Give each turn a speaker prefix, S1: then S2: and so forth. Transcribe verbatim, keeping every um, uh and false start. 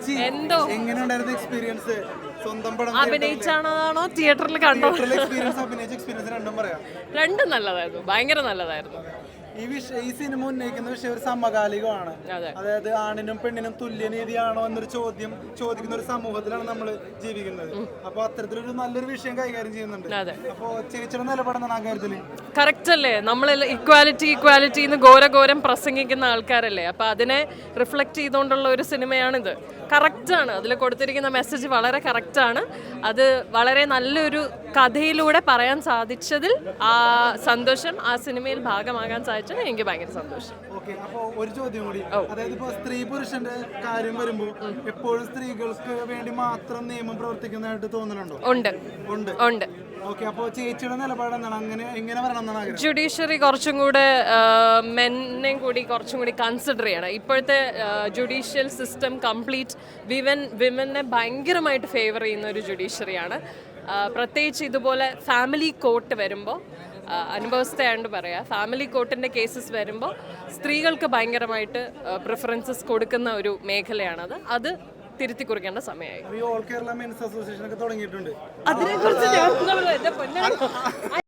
S1: ചേച്ചി
S2: എന്തോ
S1: എങ്ങനെയുണ്ടായിരുന്നു എക്സ്പീരിയൻസ്? സ്വന്തം പടം
S2: അഭിനയിച്ചാണോ തിയേറ്ററിൽ കണ്ടോ?
S1: എക്സ്പീരിയൻസ് അഭിനയിച്ച എക്സ്പീരിയൻസ് രണ്ടും പറയാം.
S2: രണ്ടും നല്ലതായിരുന്നു, ഭയങ്കര നല്ലതായിരുന്നു.
S1: ഈ വിഷയം ഈ സിനിമ ഉന്നയിക്കുന്ന വിഷയം ഒരു സമകാലികമാണ്. അതായത് ആണിനും പെണ്ണിനും തുല്യനീതിയാണോ എന്നൊരു ചോദ്യം ചോദിക്കുന്ന ഒരു സമൂഹത്തിലാണ് നമ്മൾ ജീവിക്കുന്നത്. അപ്പൊ അത്തരത്തിലൊരു നല്ലൊരു വിഷയം കൈകാര്യം ചെയ്യുന്നുണ്ട്. അപ്പൊ ചേച്ചിയുടെ നിലപാടെന്താണ് ആ കാര്യത്തില്?
S2: കറക്റ്റ് അല്ലേ? നമ്മൾ ഇക്വാലിറ്റി ഇക്വാലിറ്റി എന്ന് ഘോരഘോരം പ്രസംഗിക്കുന്ന ആൾക്കാരല്ലേ. അപ്പൊ അതിനെ റിഫ്ലക്ട് ചെയ്തുകൊണ്ടുള്ള ഒരു സിനിമയാണിത്. കറക്റ്റാണ്, അതിൽ കൊടുത്തിരിക്കുന്ന മെസ്സേജ് വളരെ കറക്റ്റാണ്. അത് വളരെ നല്ലൊരു കഥയിലൂടെ പറയാൻ സാധിച്ചതിൽ ആ സന്തോഷം, ആ സിനിമയിൽ ഭാഗമാകാൻ സാധിച്ചത് എനിക്ക് ഭയങ്കര സന്തോഷം.
S1: ഓക്കെ, അപ്പൊ ഒരു ചോദ്യം കൂടി. അതായത് ഇപ്പൊ സ്ത്രീ പുരുഷന്റെ കാര്യം വരുമ്പോൾ എപ്പോഴും സ്ത്രീകൾക്ക് വേണ്ടി മാത്രം നിയമം പ്രവർത്തിക്കുന്നതായിട്ട് തോന്നുന്നുണ്ടോ?
S2: ഉണ്ട് ഉണ്ട് ഉണ്ട്.
S1: ഓക്കെ, അപ്പോൾ ചേച്ചിയുടെ നിലപാട് എന്താണ്? അങ്ങനെ എങ്ങനെ വരണം എന്നാണ് ആഗ്രഹം?
S2: ജുഡീഷ്യറി കുറച്ചും കൂടെ മെന്നെ കൂടി കുറച്ചും കൂടി കൺസിഡർ ചെയ്യണം. ഇപ്പോഴത്തെ ജുഡീഷ്യൽ സിസ്റ്റം കംപ്ലീറ്റ് വിമൻ വിമനെ ഭയങ്കരമായിട്ട് ഫേവർ ചെയ്യുന്ന ഒരു ജുഡീഷ്യറിയാണ്. പ്രത്യേകിച്ച് ഇതുപോലെ ഫാമിലി കോർട്ട് വരുമ്പോൾ, അനുഭവസ്ഥയാണ്ട് പറയാം, ഫാമിലി കോർട്ടിൻ്റെ കേസസ് വരുമ്പോൾ സ്ത്രീകൾക്ക് ഭയങ്കരമായിട്ട് പ്രിഫറൻസസ് കൊടുക്കുന്ന ഒരു മേഖലയാണത്. അത് തിരുത്തി കുറിക്കേണ്ട സമയമായി.
S1: ഓൾ കേരള മെൻസ് അസോസിയേഷൻ ഒക്കെ തുടങ്ങിയിട്ടുണ്ട്.
S2: അതിനെക്കുറിച്ച്